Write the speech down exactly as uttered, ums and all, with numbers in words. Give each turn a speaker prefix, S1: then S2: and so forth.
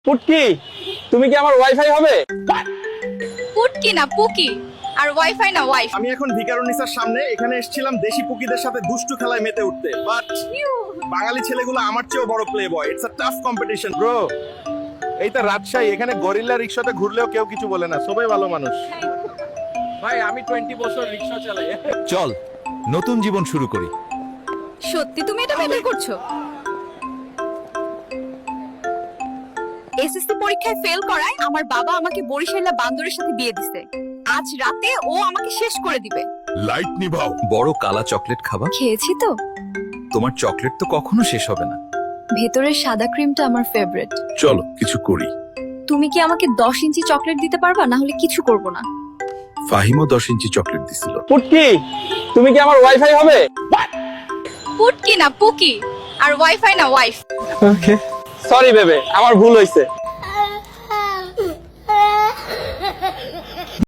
S1: পুটকি, তুমি কি আমার ওয়াইফাই হবে?
S2: পুটকি না পুকি, আর ওয়াইফাই না ওয়াইফ।
S3: আমি এখন ভিকারুনিসার সামনে এখানে এসেছিলাম দেশি পুকিদের সাথে দুষ্টু খেলায় মেতে উঠতে, বাট বাঙালি ছেলেগুলো আমার চেয়েও বড় play boy. It's a tough competition bro.
S4: এই তো রাজশাহী, এখানে গরিল্লা রিক্সাতে ঘুরলেও কেউ কিছু বলে না, সবাই ভালো মানুষ।
S1: ভাই আমি টোয়েন্টি বছর রিক্সা চালাই।
S5: চল নতুন জীবন শুরু করি।
S2: সত্যি তুমি এটা মেটার করছো? এসএসসি পরীক্ষায় ফেল করায় আমার বাবা আমাকে বরিশালা বান্দরের সাথে বিয়ে দিছে। আজ রাতে ও আমাকে শেষ করে দিবে।
S5: লাইট নিভাও। বড় কালা চকলেট খাবা?
S2: খেয়েছি তো।
S5: তোমার চকলেট তো কখনো শেষ হবে না।
S2: ভেতরের সাদা ক্রিমটা আমার ফেভারিট।
S5: চলো কিছু করি।
S2: তুমি কি আমাকে দশ ইঞ্চি চকলেট দিতে পারবা? না হলে কিছু করব না।
S5: ফাহিমও দশ ইঞ্চি চকলেট দিছিল।
S1: পুটকি, তুমি কি আমার ওয়াইফাই হবে?
S2: পুটকি না পুকি, আর ওয়াইফাই না ওয়াইফ।
S1: ওকে, সরি বেবে, আমার ভুল হয়েছে।